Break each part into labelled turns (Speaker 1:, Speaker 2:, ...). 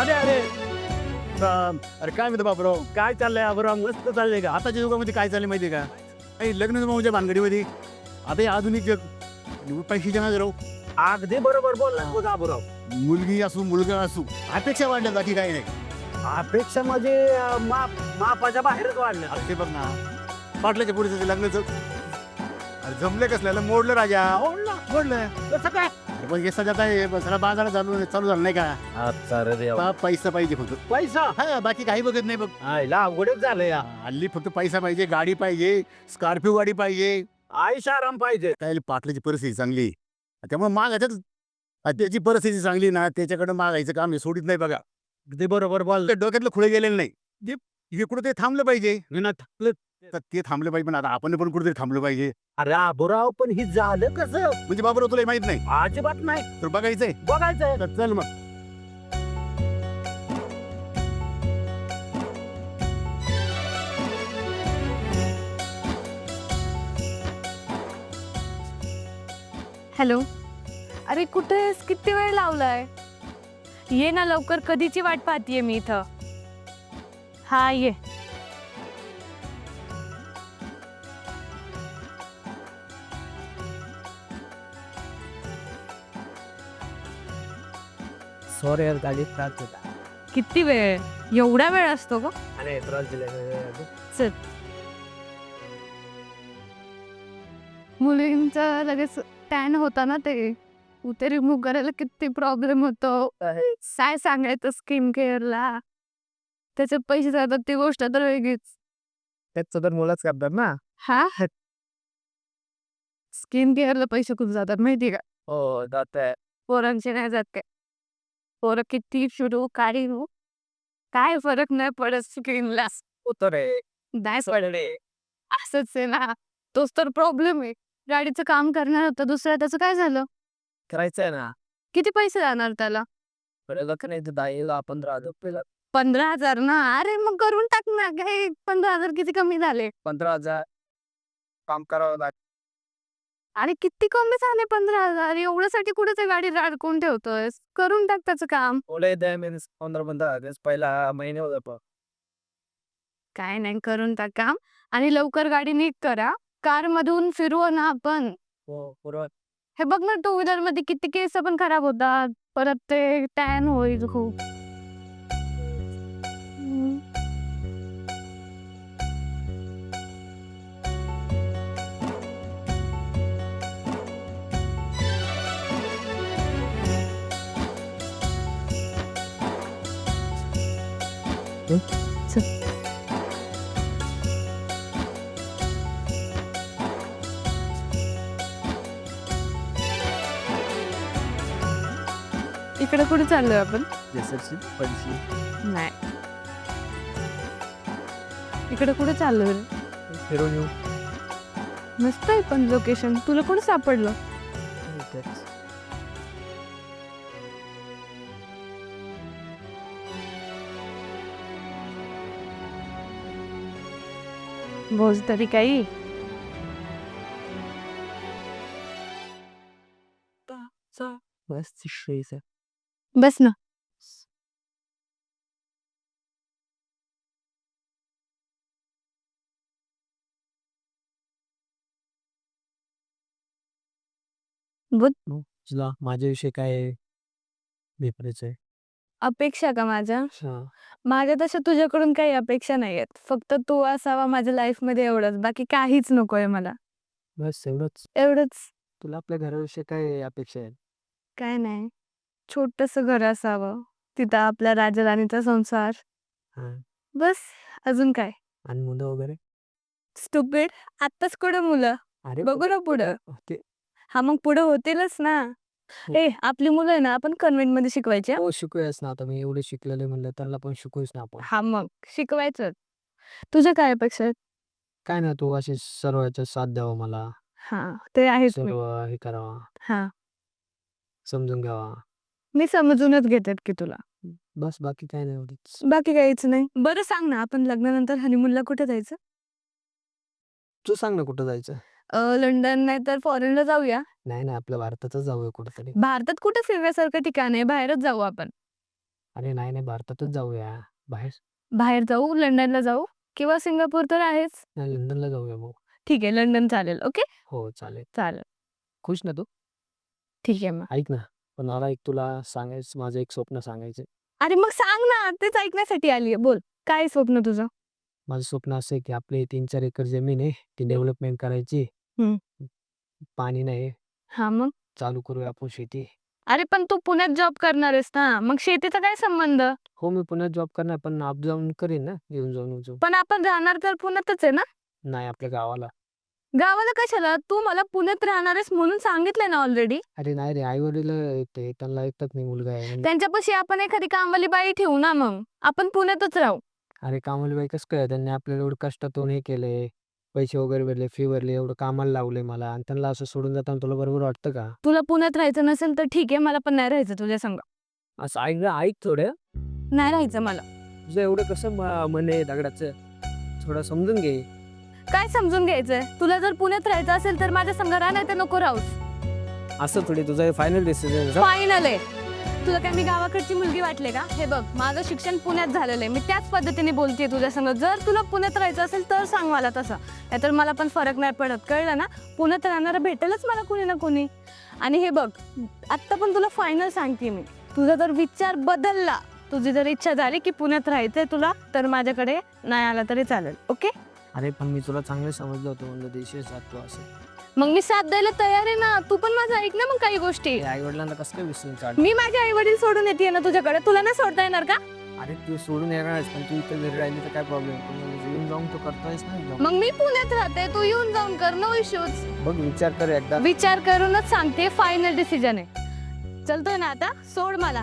Speaker 1: अरे अरे
Speaker 2: अरे काय म्हणतो बाबराव,
Speaker 1: काय चाललंय अबराव? मस्त चाललंय का?
Speaker 2: आताच्या युगामध्ये काय चाललं माहिती आहे का? काही लग्न जमवच्या भानगडीमध्ये आता हे आधुनिक जग पैशाच्या ना राहू.
Speaker 1: अगदी बरोबर बोलला बघ अबराव.
Speaker 2: मुलगी असू मुलगा असू अपेक्षा वाढल्या बाकी काही नाही.
Speaker 1: अपेक्षा म्हणजे मापाच्या बाहेरच वाढलं.
Speaker 2: अरे ते बघ ना, पाटलाच्या पुढे लग्नाचं अरे जमले कसल्याला मोडलं राजा, मोडलं.
Speaker 1: कसं काय?
Speaker 2: अरे पण हे सध्या काय सगळा बाजार चालू झाला नाही का?
Speaker 1: अच्छा रे देवा.
Speaker 2: पैसा पाहिजे फक्त.
Speaker 1: पैसा
Speaker 2: हा बाकी काही बघत नाही बघ.
Speaker 1: आईला अवघडच झालंय या.
Speaker 2: हल्ली फक्त पैसा पाहिजे, गाडी पाहिजे, स्कॉर्पिओ गाडी पाहिजे.
Speaker 1: आयुष्य आराम पाहिजे.
Speaker 2: काय पाटलाची परिस्थिती चांगली आहे. त्यामुळे मागायचं त्याची परिस्थिती चांगली ना, त्याच्याकडे मागायचं काम हे सोडित नाही बघा.
Speaker 1: अगदी बरोबर बोल.
Speaker 2: ते डोक्यातलं खुळे गेलेलं नाही. हे कुठं ते थांबलं पाहिजे.
Speaker 1: थांबलं.
Speaker 2: तर ते थांबलं पाहिजे, पण आता आपण पण कुठेतरी थांबलं पाहिजे.
Speaker 1: अरे अबराव पण ही झालं कसं?
Speaker 2: म्हणजे बाबा तुला माहित नाही
Speaker 1: अजिबात नाही.
Speaker 2: तर बघायचंय.
Speaker 1: बघायचंय.
Speaker 2: तर चल मग.
Speaker 3: हॅलो. अरे कुठे आहेस? किती वेळ लावलाय? ये ना लवकर, कधीची वाट पाहतीये मी इथं. हा ये.
Speaker 1: सॉरी यार, गाडी त्रास दिला.
Speaker 3: किती वेळ? एवढा वेळ असतो का?
Speaker 1: अरे त्रास दिला.
Speaker 3: चल. मुलींचा लगेच टॅन होता ना, ते रिमूव्ह करायला किती प्रॉब्लेम होतो. काय सांगायचं स्किन केअरला, त्याचे पैसे जातात ती गोष्ट तर वेगळीच.
Speaker 1: त्याचं तर मुलंच करतात ना.
Speaker 3: हा, स्किन केअरला पैसे खूप जातात माहिती का?
Speaker 1: हो जात आहे.
Speaker 3: पोरांचे नाही जात काय. पोरं किती फिरू काढू, काय फरक नाही पडत स्किनला.
Speaker 1: होतं रे.
Speaker 3: नाही पडले. असंच आहे ना, तोच तर प्रॉब्लेम आहे. गाडीचं काम करणार होतं दुसरं, त्याचं काय झालं?
Speaker 1: करायचंय ना.
Speaker 3: किती पैसे जाणार त्याला?
Speaker 1: बरं का नाही, 10 15,000
Speaker 3: 15,000 ना? अरे मग करून टाक ना. काय 15,000 किती कमी झाले?
Speaker 1: 15,000 काम करावं लागतं.
Speaker 3: आणि किती कमी झाले 15,000? एवढ्यासाठी कुठे ते गाडी अडकून ठेवतोय? करून टाक त्याचं काम.
Speaker 1: ओले द्या मीन्स 15 पहिला महिने होता पण.
Speaker 3: काय नाही, करून टाक काम आणि लवकर गाडी नीट करा. कार मधून फिरवू ना आपण.
Speaker 1: हो बरोबर.
Speaker 3: हे बघ ना, टू व्हीलर मध्ये किती केस पण खराब होतात. परत ते टॅन होईल खूप. हम्म. चल. इकडे कुठे चाललोय आपण? नाही, इकडे कुठे चाललोय रे?
Speaker 1: फिरून येऊ.
Speaker 3: मस्त आहे पण लोकेशन. तुला कोण सापडलं? भोज तरी काही.
Speaker 1: मस्त श्रेयस.
Speaker 3: बस ना. बोल.
Speaker 1: तुला माझ्याविषयी काय भेटायचं आहे?
Speaker 3: अपेक्षा का माझ्या?
Speaker 1: हा.
Speaker 3: माझ्या तशा तुझ्याकडून काही अपेक्षा नाही आहेत. फक्त तू असावा माझ्या लाईफ मध्ये, एवढंच. बाकी काहीच नकोय मला.
Speaker 1: बस एवढंच.
Speaker 3: एवढंच.
Speaker 1: तुला आपल्या घराविषयी काय अपेक्षा आहे?
Speaker 3: काय नाही, छोटस घर असावं, तिथं आपल्या राजा राणीचा संसार.
Speaker 1: हा.
Speaker 3: बस. अजून काय?
Speaker 1: आणि मुलं वगैरे?
Speaker 3: स्टुपिड. आत्ताच कुठं मुलं?
Speaker 1: अरे
Speaker 3: बघू ना पुढं.
Speaker 1: ते
Speaker 3: हा मग पुढं होतीलच ना. आपली मुलं आहे ना, आपण कन्व्हेंट मध्ये शिकवायची.
Speaker 1: हो शिकूयाच ना. आता मी एवढे शिकलेले म्हणलं त्यांना पण शिकूच ना आपण.
Speaker 3: हा मग शिकवायचं. तुझ्या काय अपेक्षा आहेत?
Speaker 1: काय ना, तू असे सर्व याच्यात साथ द्यावा मला.
Speaker 3: हा, ते आहेच मी.
Speaker 1: सर्व हे करावा,
Speaker 3: हा,
Speaker 1: समजून घ्यावा.
Speaker 3: मी समजूनच घेतात की तुला.
Speaker 1: बस बाकी काय नाही एवढंच.
Speaker 3: बाकी काहीच नाही. बरं सांग ना, आपण लग्नानंतर हनीमूनला कुठे जायचं?
Speaker 1: तू सांग ना कुठं जायचं?
Speaker 3: लंडन नाही तर फॉरेनला जाऊया.
Speaker 1: नाही आपल्या भारतातच जाऊया कुठेतरी.
Speaker 3: भारतात कुठे फिरण्यासारखं ठिकाण आहे? बाहेरच जाऊ आपण.
Speaker 1: अरे नाही नाही, भारतातच जाऊया. बाहेर
Speaker 3: बाहेर जाऊ, लंडनला जाऊ किंवा सिंगापूर तर आहेच.
Speaker 1: नाही, लंडनला जाऊया मग.
Speaker 3: ठीक आहे, लंडन चालेल. ओके,
Speaker 1: हो चालेल.
Speaker 3: चालेल.
Speaker 1: खुश ना तू?
Speaker 3: ठीक आहे मग.
Speaker 1: ऐक ना, पण मला एक तुला सांगायचं, माझं एक स्वप्न सांगायचं.
Speaker 3: अरे मग सांग ना, तेच ऐकण्यासाठी आली आहे. बोल, काय स्वप्न तुझं?
Speaker 1: माझं स्वप्न असं आहे की आपली 3-4 एकर जमीन आहे, ती डेव्हलपमेंट करायची.
Speaker 3: हं.
Speaker 1: पाणी नाही,
Speaker 3: हां, मग?
Speaker 1: चालू करूया आपण शेती.
Speaker 3: अरे पण तू पुण्यात जॉब करणार आहेस ना, मग शेतीचा काय संबंध?
Speaker 1: हो, मी पुण्यात जॉब करणार, पण अप जाऊन करीन ना, येऊन जाऊन.
Speaker 3: पण आपण राहणार तर पुण्यातच आहे ना?
Speaker 1: नाही, आपल्या गावाला.
Speaker 3: गावाला कशाला? तू मला पुण्यात राहणार आहेस म्हणून सांगितलंय ना ऑलरेडी.
Speaker 1: अरे नाही रे, आई-वडील ते त्यांना ऐकतात नाही, मुलगा आहे म्हणजे.
Speaker 3: त्यांच्यापाशी आपण एखादी कामवाली बाई ठेवू ना मग. आपण पुण्यातच राहू.
Speaker 1: अरे कामाला बाई कसं काय? त्यांनी आपल्याला एवढं कष्टातून हे केलंय, पैसे वगैरे भरले, फी भरली, एवढं कामाला लावलंय मला आणि त्यांना असं सोडून जाताना तुला बरोबर वाटतं का?
Speaker 3: तुला पुण्यात राहायचं नसेल तर ठीक आहे, मला पण नाही राहायचं तुझ्या संग.
Speaker 1: असं ऐक ना, ऐक थोडं.
Speaker 3: नाही राहायचं मला.
Speaker 1: तुझं एवढं कसं मन आहे दगडाचं? थोडं समजून घे.
Speaker 3: काय समजून घ्यायचंय? तुला जर पुण्यात राहायचं असेल तर माझ्या संग राहा, नाही तर नको राहूस.
Speaker 1: असं थोडी, तुझं फायनल डिसिजन.
Speaker 3: फायनल आहे. तुला काय मी गावाकडची मुलगी वाटले का? हे बघ, माझं शिक्षण पुण्यात झालेलं आहे. मी त्याच पद्धतीने बोलतेय तुझ्या संग. जर तुला पुण्यात राहायचं असेल तर सांग मला तसं. नाहीतर मला पण फरक नाही पडत, कळलं ना? पुण्यात राहणारं भेटेलच मला कोणी ना कोणी. आणि हे बघ, आत्ता पण तुला फायनल सांगते मी. तुझा जर विचार बदलला, तुझी जर इच्छा झाली की पुण्यात राहायचंय तुला, तर माझ्याकडे नाही आला तरी चालेल. ओके?
Speaker 1: अरे पण मी तुला चांगलं समजलं होतं, म्हणजे देशी तू असं.
Speaker 3: मग मी साथ द्यायला तयार आहे ना. तू पण माझं ऐक ना मग काही गोष्टी.
Speaker 1: आई वडिलांना कसं काय विसरून काढ?
Speaker 3: मी माझे आई वडील सोडून येते ना तुझ्याकडे. तुला नाही सोडता येणार का?
Speaker 1: अरे तू सोडून येणारच, पण तू इथं घरी राहिली तर काय प्रॉब्लेम? येऊन जाऊन तू करतोयस ना.
Speaker 3: मग मी पुण्यात राहते, तू येऊन जाऊन कर, नो इश्यूज.
Speaker 1: बघ, विचार कर एकदा.
Speaker 3: विचार करूनच सांगते, फायनल डिसिजन आहे. चलतोय ना आता? सोड मला.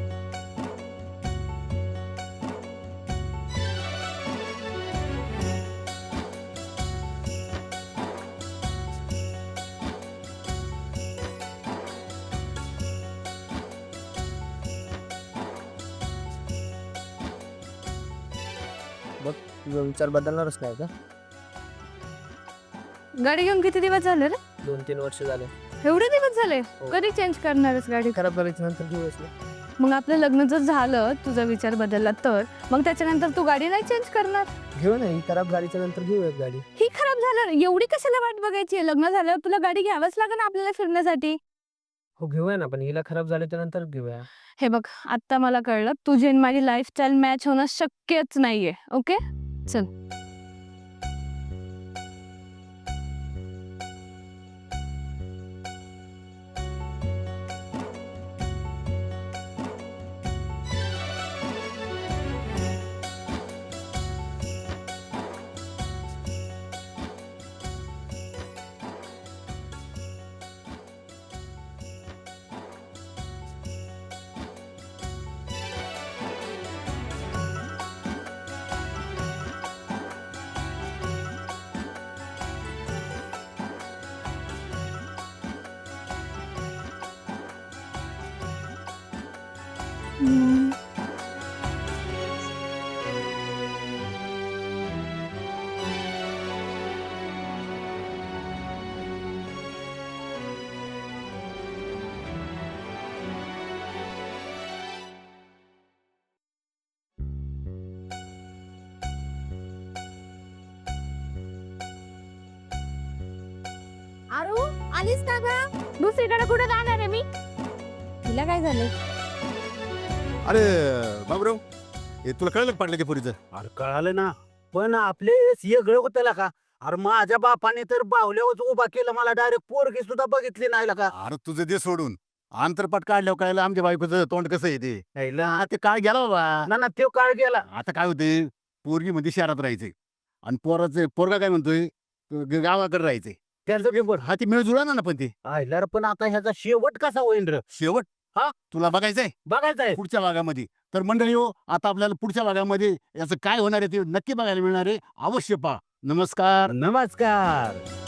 Speaker 1: बघ, तुझा विचार बदलणारच नाही का?
Speaker 3: गाडी घेऊन किती दिवस झाले रे?
Speaker 1: 2-3 वर्ष झाले.
Speaker 3: एवढे दिवस झाले?
Speaker 1: हो.
Speaker 3: कधी चेंज करणारच गाडी?
Speaker 1: खराब करायच्या नंतर दिवस ना.
Speaker 3: मग आपलं लग्न जर झालं, तुझा विचार बदलला तर मग त्याच्यानंतर तू गाडी नाही चेंज करणार?
Speaker 1: घेऊ ना, ही खराब गाडीच्या नंतर घेऊया गाडी.
Speaker 3: ही खराब झालं, एवढी कशाला वाट बघायची? लग्न झाल्यावर तुला गाडी घ्यावंच लागेल आपल्याला फिरण्यासाठी.
Speaker 1: हो घेऊया ना, पण हिला खराब झाल्याच्या नंतर घेऊया.
Speaker 3: हे बघ, आत्ता मला कळलं तुझी आणि माझी लाईफस्टाईल मॅच होणं शक्यच नाहीये. ओके, चल. आरू, आलीस का ग? दुसरीकडे कुठे जाणार आहे मी? तिला काय झालंय?
Speaker 2: अरे बाबूराव, हे तुला कळलं का पाटलाच्या पोरीचं?
Speaker 4: अरे कळालं ना, पण आपले गळ होत्याला का? अरे माझ्या बापाने तर बावल्यावर उभा केलं, मला डायरेक्ट पोरगी सुद्धा बघितली नाही का?
Speaker 2: अरे तुझं दे सोडून, आंतरपाट काढल्यावर कळलं आमच्या बायकोचं तोंड कसं आहे ते. हा, ते काय गेला बाबा.
Speaker 4: ना ना तो काळ गेला.
Speaker 2: आता काय होते, पोरगी मध्ये शहरात राहायचे आणि पोरगा काय म्हणतोय, गावाकडे राहायचे.
Speaker 4: त्यांचं पेपर
Speaker 2: हा, ती मिळ जुळा ना पण ते
Speaker 4: आयला रे, पण आता ह्याचा शेवट कसा होईल रे?
Speaker 2: शेवट.
Speaker 4: हा?
Speaker 2: तुला बघायचंय
Speaker 4: बघायचं आहे.
Speaker 2: पुढच्या भागामध्ये. तर मंडळी हो, आता आपल्याला पुढच्या भागामध्ये याचं काय होणार आहे ते नक्की बघायला मिळणार आहे. अवश्य पहा. नमस्कार.
Speaker 4: नमस्कार.